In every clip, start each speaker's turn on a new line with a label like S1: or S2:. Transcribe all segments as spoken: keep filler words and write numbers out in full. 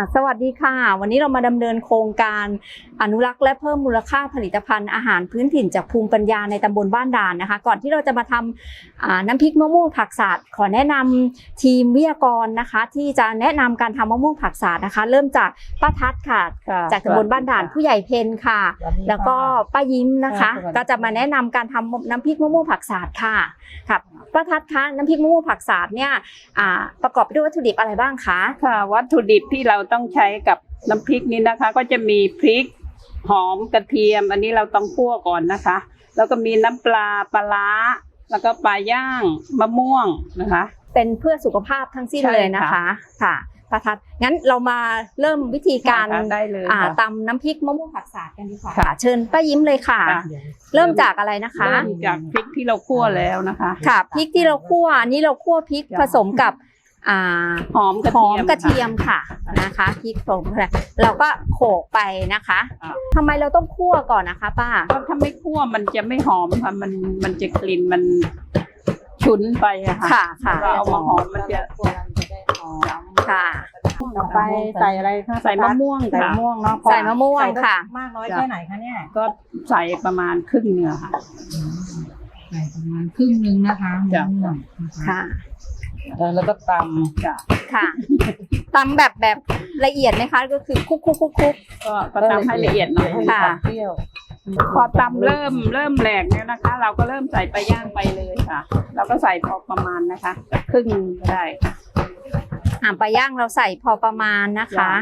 S1: สวัสดีค่ะวันนี้เรามาดำเนินโครงการอนุรักษ์และเพิ่มมูลค่าผลิตภัณฑ์อาหารพื้นถิ่นจากภูมิปัญญาในตำบลบ้านด่านนะคะก่อนที่เราจะมาทำน้ำพริกมะม่วงผักสาดขอแนะนำทีมวิทยากรนะคะที่จะแนะนำการทำมะม่วงผักสาดนะคะเริ่มจากป้าทัศน์ค่ะจากตำบลบ้านด่านผู้ใหญ่เพนค่ะแล้วก็ป้ายิ้มนะคะก็จะมาแนะนำการทำน้ำพริกมะม่วงผักสาดค่ะครับป้าทัศน์คะน้ำพริกมะม่วงผักสาดเนี่ยประกอบไปด้วยวัตถุดิบอะไรบ้างคะ
S2: ค่ะวัตถุดิบที่เราต้องใช้กับน้ำพริกนี้นะคะก็จะมีพริกหอมกระเทียมอันนี้เราต้องคั่วก่อนนะคะแล้วก็มีน้ำปลาปลาร้าแล้วก็ปลาย่างมะม่วงนะคะ
S1: เป็นเพื่อสุขภาพทั้งสิ้นเลยนะคะค่ะป้าทัศน์งั้นเรามาเริ่มวิธีการ
S2: ได้เลย
S1: ตำน้ำพริกมะม่วงผักสาดกันดีกว่าค่ะเชิญป้ายิ้มเลยค่ะเริ่มจากอะไรนะคะ
S2: เริ่มจากพริกที่เราคั่วแล้วนะคะ
S1: ค่ะพริกที่เราคั่วนี่เราคั่วพริกผสมกับ
S2: หอมกระ
S1: หอมกระเทียมค่ะนะคะพริกผงเราก็โขลกไปนะคะทำไมเราต้องคั่วก่อนนะคะป้า
S2: เพราะถ้าไม่คั่วมันจะไม่หอมค่ะมันมันจะกลิ่นมันฉุนไปอะค่ะ
S1: ค่ะค่ะ
S2: เราเอามาหอมมันจะ
S1: ค่ะ
S3: ต่อไปใส่อะไรคะ
S2: ใส่มะม่วง
S3: ใส่มะม่วงเนาะ
S1: ใส่มะม่วงค่ะ
S3: มากน้อยแค่ไหนคะเนี่ย
S2: ก็ใส่ประมาณครึ่งเนื้อค่ะ
S3: ใส่ประมาณครึ่งนึงนะคะมะม่วง
S1: ค่ะ
S2: แล้วก็ตำค่ะ
S1: ค่ะตำแบบแบบละเอียดไหมคะก็คือคุกคุกคุกคุก
S2: ก็ตำให้ละเอียดหน่อย
S1: ค่ะ
S2: เปรี้ยวพอตำเริ่มเริ่มแหลกแล้วนะคะเราก็เริ่มใส่ปลาย่างไปเลยค่ะเราก็ใส่พอประมาณนะคะครึ่งก็ได้
S1: อ่าปลาย่างเราใส่พอประมาณนะคะ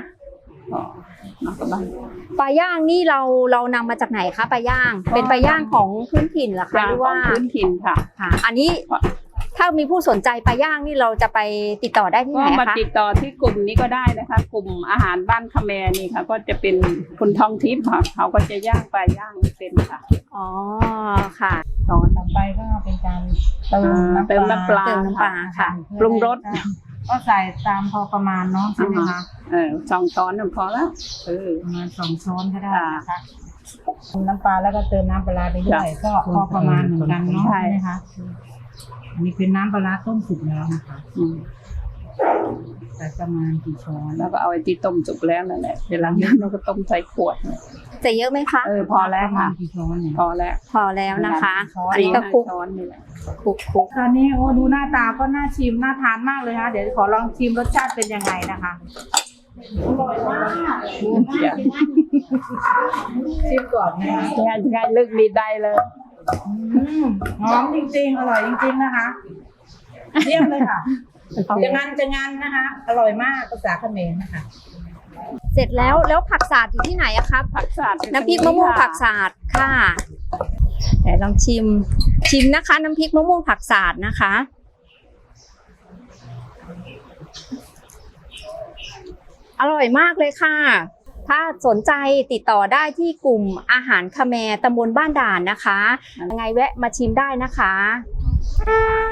S1: ปลาย่างนี่เราเรานำมาจากไหนคะปลาย่างเป็นปลาย่างของพื้นถิ่นเหรอคะหรือว่า
S2: พื้นถิ่นค่ะ
S1: ค่ะอันนี้ถ้ามีผู้สนใจปลาย่างนี่เราจะไปติดต่อได้ที่ไหนคะ
S2: ก็มาติดต่อที่กลุ่มนี้ก็ได้นะคะกลุ่มอาหารบ้านคาแมนี่ค่ะก็จะเป็นคุณทองทิพย์ค่ะเขาก็จะย่างปลาย่างเป็นค่ะ
S1: อ๋อค่ะ
S3: ตอนต่อไปก็เป็นการเติมน้ำ
S2: เติมน้ำปลา
S1: เติมน้ำปลาค่ะ
S2: ปรุงรส
S3: ก็ใส่ตามพอประมาณเนาะใช่ไหมคะ
S2: เออสองช้อนหนึ่งพอแล้ว
S3: เออประมาณสองช้อนก็ได้นะคะน้ำปลาแล้วก็เติมน้ำปลาไปด้วยก็พอประมาณเหมือนกันเนาะใช่ไหมคะนี่เป็นน้ำปลาต้มสุกแล้วนะคะใส่ประมาณกี่ช้อน
S2: แล้วก็เอาไอ้ที่ต้มสุกแล้วนั่นแหละเดี๋ยวหลังจากนั้นเราก็ต้มใส่ขวด
S1: จะเยอะไหมคะ
S2: เออพอแล้วค่ะ
S3: กี่ช้อน
S2: พอแล้ว
S1: พอแล้วนะคะอันนี้ก็คลุก
S2: ช้อนนี่แหละ
S1: คลุกคลุก
S3: ตอนนี้โอ้ดูหน้าตาก็น่าชิมน่าทานมากเลยนะเดี๋ยวขอลองชิมรสชาติเป็นยังไงนะคะอร่อยมากชิมก่อนนะคะ
S2: ง่ายง่ายลึกดีได้เลย
S3: หอมจริงๆอร่อยจริงๆนะคะเยี่ยมเลยค่ะจะงานจะงานนะคะอร่อยมากภาษาเขมรนะคะ
S1: เสร็จแล้วแล้วผักสาดอยู่ที่ไหนอะครับ
S2: ผักสาด
S1: น้ำพริกมะม่วงผักสาดค่ะเดี๋ยวลองชิมชิมนะคะน้ำพริกมะม่วงผักสาดนะคะอร่อยมากเลยค่ะถ้าสนใจติดต่อได้ที่กลุ่มอาหารคาแมตำบลบ้านด่านนะคะยังไงแวะมาชิมได้นะคะ